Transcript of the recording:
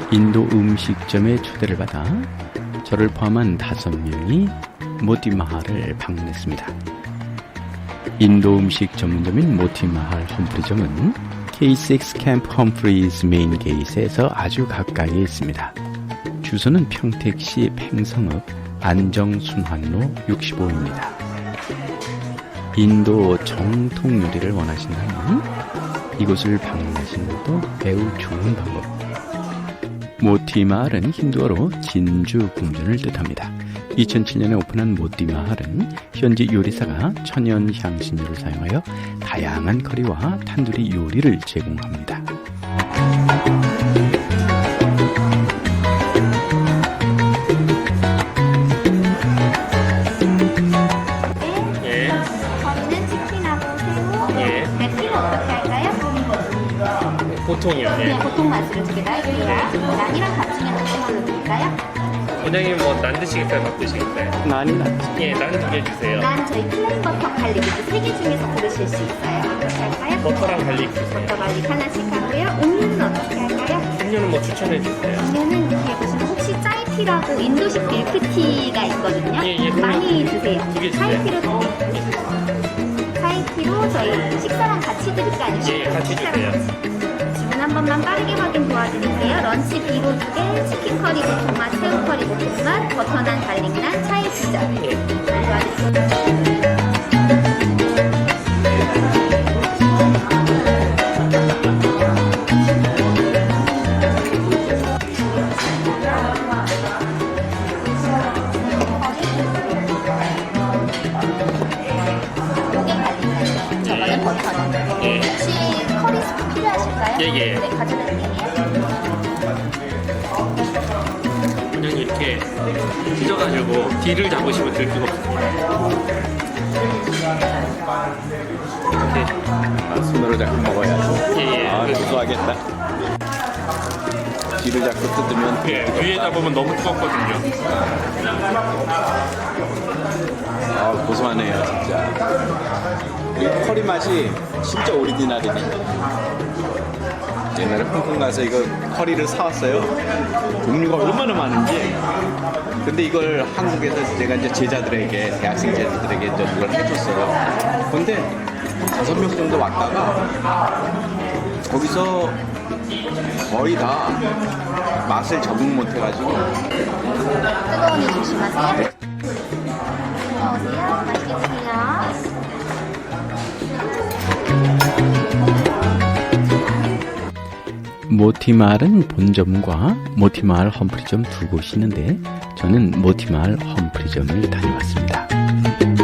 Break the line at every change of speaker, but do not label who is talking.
인도 음식점에 초대를 받아 저를 포함한 5명이 모티마할을 방문했습니다. 인도 음식 전문점인 모티마할 험프리점은 K6 캠프 험프리즈 메인 게이트에서 아주 가까이에 있습니다. 주소는 평택시 팽성읍 안정순환로 65입니다. 인도 정통 요리를 원하신다면 이곳을 방문하시는 것도 매우 좋은 방법. 모티마할은 힌두어로 진주 궁전을 뜻합니다. 2007년에 오픈한 모티마할은 현지 요리사가 천연 향신료를 사용하여 다양한 커리와 탄두리 요리를 제공합니다.
보통이요? 예.
네, 보통 맛으로 2개 다 해드립니다. 난이랑 같이면 어떤 걸로 드릴까요?
원장님 뭐 난 드시겠어요? 밥 드시겠어요?
난이 낫지.
예, 난 2개 주세요.
난 저희 플레인버터 갈릭 이렇게 3개 중에서 고르실 수 있어요. 어떻게 할까요?
버터랑 갈릭 주세요.
버터 갈릭 하나씩 하고요. 음료는 어떻게 할까요?
음료는 뭐 추천해 주세요.
음료는 여기 보시면 혹시 짜이티라고 인도식 밀크티가 있거든요.
예,
많이 드세요.
2개 주세요.
차이티로 차이티로 저희 식사랑 같이 드릴까요?
예, 같이 주세요.
주문 한 번만 빠르게 확인 도와드릴게요. 런치 비로 2개, 치킨 커리 볶음맛, 새우 커리 볶음맛, 버터난 갈릭난, 차이 피자.
예.
도와드릴게요. 저거는 버터는.
예.
혹시 커리 스프 필요하실까요?
예, 예.
네, 가져갈게요.
원장님 이렇게 찢어가지고 뒤를 잡으시면 들 수가 없습니다. 이렇게.
손으로 잡고 먹어야지.
예, 예.
고소하겠다. 뒤를 잡고 뜯으면
예, 위에 잡으면 너무 뜨겁거든요.
고소하네요 진짜. 이 커리 맛이 진짜 오리지널이네. 옛날에 홍콩 가서 이거 커리를 사왔어요. 종류가 얼마나 많은지. 근데 이걸 한국에서 제가 이제 제자들에게, 대학생 제자들에게 이제 이걸 해줬어요. 근데 5명 정도 왔다가 거기서 거의 다 맛을 적응 못해가지고.
뜨거우니 조심하세요. 어서오세요. 맛있게 드세요.
모티마할은 본점과 모티마할 험프리점 2곳이 있는데 저는 모티마할 험프리점을 다녀왔습니다.